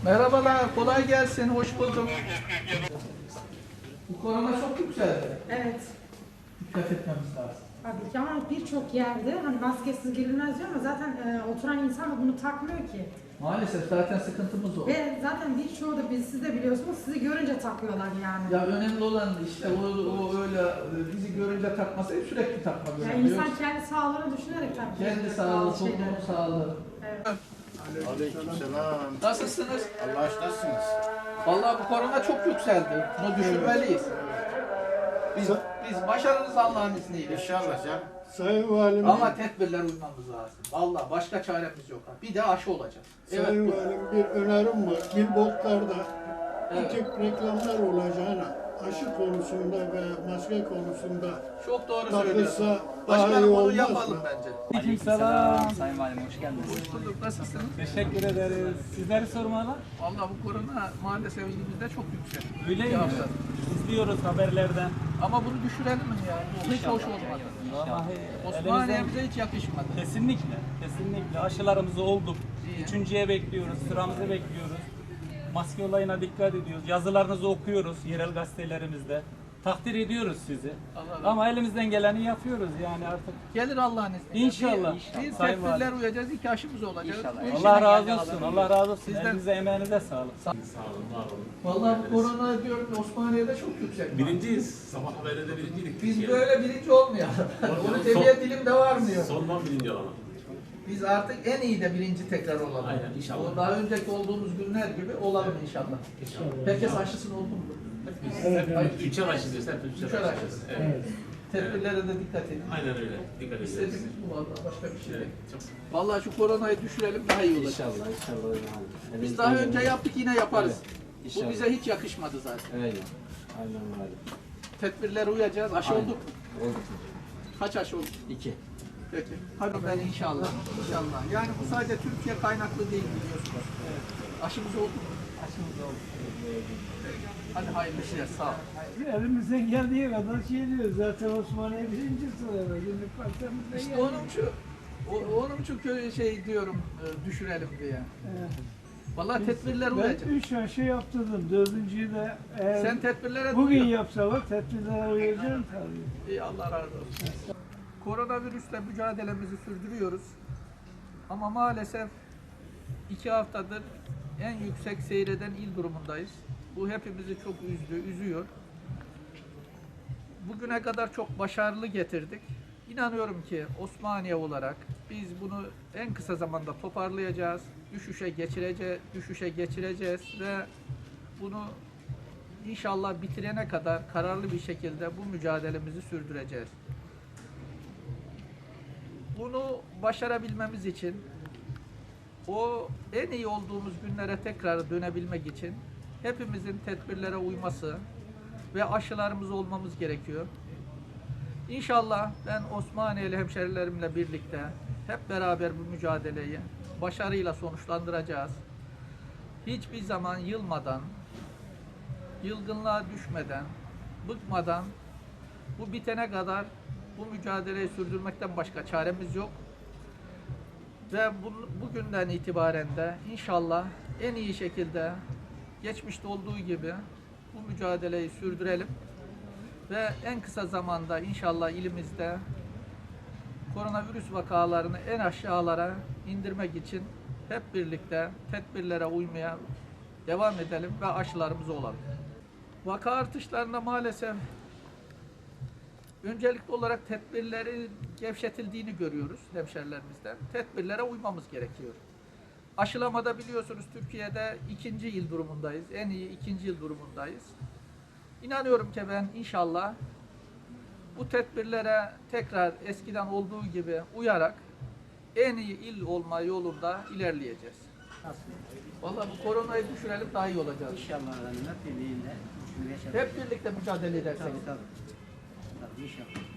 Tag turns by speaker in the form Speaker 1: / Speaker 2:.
Speaker 1: Merhabalar, kolay gelsin, hoş bulduk. Bu korona çok yükseldi.
Speaker 2: Evet.
Speaker 1: Dikkat etmemiz lazım.
Speaker 2: Tabii ki ama birçok yerde hani maskesiz girilmez diyor ama zaten oturan insan da bunu takmıyor ki.
Speaker 1: Maalesef zaten sıkıntımız o.
Speaker 2: Ve zaten birçoğu da siz de biliyorsunuz sizi görünce takıyorlar yani.
Speaker 1: Ya önemli olan işte o öyle bizi görünce takmasaydı sürekli takmak
Speaker 2: Yani
Speaker 1: önemli.
Speaker 2: insan kendi sağlığını düşünerek takıyor.
Speaker 1: Kendi sağlığı, toplumun sağlığı.
Speaker 2: Evet.
Speaker 3: Aleykümselam.
Speaker 1: Nasılsınız?
Speaker 3: Allah aşkınasınız.
Speaker 1: Vallahi bu korona çok yükseldi. Bunu düşünmeliyiz. Biz başarırız Allah'ın izniyle.
Speaker 3: İnşallah canım.
Speaker 4: Sayın Valim,
Speaker 1: Ama tedbirler uymamız lazım. Vallahi başka çaremiz yok. Bir de aşı olacak.
Speaker 4: Sayın
Speaker 1: bu.
Speaker 4: Valim bir önerim var. Billboardlarda
Speaker 1: Evet.
Speaker 4: bu tip reklamlar olacağına aşı konusunda ve maske konusunda
Speaker 1: Çok doğru söylüyorsun.
Speaker 4: takılsa daha iyi
Speaker 1: Başkanım onu
Speaker 4: olmaz
Speaker 1: yapalım
Speaker 4: mı?
Speaker 1: bence.
Speaker 5: Aleykümselam. Sayın Valim hoş geldiniz.
Speaker 1: Hoş bulduk. Nasılsınız?
Speaker 5: Teşekkür ederiz. Sizleri sormalı.
Speaker 1: Vallahi bu korona maalesef elimizde çok yüksek.
Speaker 5: Öyle
Speaker 1: Bir
Speaker 5: mi?
Speaker 1: hafta.
Speaker 5: İzliyoruz haberlerden.
Speaker 1: Ama bunu düşürelim mi ya? Bu hiç hoş olmadı.
Speaker 5: Vallahi
Speaker 1: Osmaniye'mize hiç yakışmadı.
Speaker 5: Kesinlikle, kesinlikle. Aşılarımızı olduk.
Speaker 1: İyi.
Speaker 5: Üçüncüye bekliyoruz, sıramızı bekliyoruz. Maske olayına dikkat ediyoruz. Yazılarınızı okuyoruz yerel gazetelerimizde. Takdir ediyoruz sizi.
Speaker 1: Allah razı
Speaker 5: Ama elimizden geleni yapıyoruz yani artık.
Speaker 1: Gelir Allah'ın izniyle.
Speaker 5: İnşallah.
Speaker 1: Bir
Speaker 5: Sayın
Speaker 1: tedbirler uyacağız, iki aşımız olacak. Bu işin-
Speaker 5: Allah razı olsun, Allah razı olsun.
Speaker 1: Sizden-
Speaker 5: Elinize, emeğinize sağlık.
Speaker 1: Vallahi bu korona diyorum Osmaniye'de çok yüksek.
Speaker 6: Birinciyiz. Sabah haberinde birinciydik.
Speaker 1: Biz böyle birinci olmayalım. Bunu tebiye dilimde varmıyor.
Speaker 6: Sondan birinci olalım.
Speaker 1: Biz artık en iyi de birinci tekrar olalım.
Speaker 6: Aynen, inşallah.
Speaker 1: O daha önceki olduğumuz günler gibi olalım inşallah. Herkes aşısını oldu mu?
Speaker 6: Üçer aşılıyoruz. Hep
Speaker 1: Üçer
Speaker 6: üçer
Speaker 1: aşılıyoruz.
Speaker 6: aşılıyoruz. Evet.
Speaker 1: Tedbirlere de dikkat edin.
Speaker 6: Aynen öyle. Dikkat edeceğiz.
Speaker 1: İstediğimiz bu vallahi başka bir şey
Speaker 6: Evet.
Speaker 1: değil.
Speaker 6: Çok
Speaker 1: Vallahi şu koronayı düşürelim daha iyi olacak.
Speaker 7: İnşallah.
Speaker 1: Biz daha önce yaptık yine yaparız. Bu
Speaker 7: İnşallah.
Speaker 1: bize hiç yakışmadı zaten.
Speaker 7: Öyle. Aynen öyle.
Speaker 1: Tedbirlere uyacağız. Aşı
Speaker 7: Aynen.
Speaker 1: olduk mu?
Speaker 7: Oldu.
Speaker 1: Kaç aşı olduk?
Speaker 7: 2.
Speaker 1: Peki. Hadi ben inşallah. İnşallah. Yani bu sadece Türkiye kaynaklı değil biliyorsunuz. Aşımız oldu mu?
Speaker 5: Aşımız oldu.
Speaker 1: Hadi hayırlı işler. Sağ ol.
Speaker 4: Elimizden geldiği kadar şey diyoruz. Zaten Osmaniye birinci sırada. Şimdi partimizde
Speaker 1: İşte onun için şey diyorum düşürelim diye. Vallahi tedbirler
Speaker 4: Ben
Speaker 1: uyacak.
Speaker 4: 3 aşı yaptırdım. 4.'yü de eğer
Speaker 1: Sen tedbirlere
Speaker 4: bugün
Speaker 1: uy.
Speaker 4: yapsalar tedbirlere uyacağım tabii.
Speaker 1: İyi Allah razı olsun. Koronavirüsle mücadelemizi sürdürüyoruz. Ama maalesef 2 haftadır en yüksek seyreden il durumundayız. Bu hepimizi çok üzdü, üzüyor. Bugüne kadar çok başarılı getirdik. İnanıyorum ki Osmaniye olarak biz bunu en kısa zamanda toparlayacağız, düşüşe geçireceğiz ve bunu inşallah bitirene kadar kararlı bir şekilde bu mücadelemizi sürdüreceğiz. Bunu başarabilmemiz için o en iyi olduğumuz günlere tekrar dönebilmek için hepimizin tedbirlere uyması ve aşılarımız olmamız gerekiyor. İnşallah ben Osmaniyeli hemşerilerimle birlikte hep beraber bu mücadeleyi başarıyla sonuçlandıracağız. Hiçbir zaman yılmadan, yılgınlığa düşmeden, bıkmadan bu bitene kadar bu mücadeleyi sürdürmekten başka çaremiz yok. Ve bugünden itibaren de inşallah en iyi şekilde geçmişte olduğu gibi bu mücadeleyi sürdürelim. Ve en kısa zamanda inşallah ilimizde koronavirüs vakalarını en aşağılara indirmek için hep birlikte tedbirlere uymaya devam edelim ve aşılarımız olalım. Vaka artışlarında maalesef öncelikli olarak tedbirleri gevşetildiğini görüyoruz hemşerilerimizden. Tedbirlere uymamız gerekiyor. Aşılamada biliyorsunuz Türkiye'de 2. yıl durumundayız. En iyi 2. yıl durumundayız. İnanıyorum ki ben inşallah bu tedbirlere tekrar eskiden olduğu gibi uyarak en iyi il olma yolunda ilerleyeceğiz. Vallahi bu koronayı düşürelim daha iyi olacağız.
Speaker 7: İnşallah hep birliğiyle.
Speaker 1: Hep birlikte mücadele edersek.
Speaker 7: Tabii inşallah.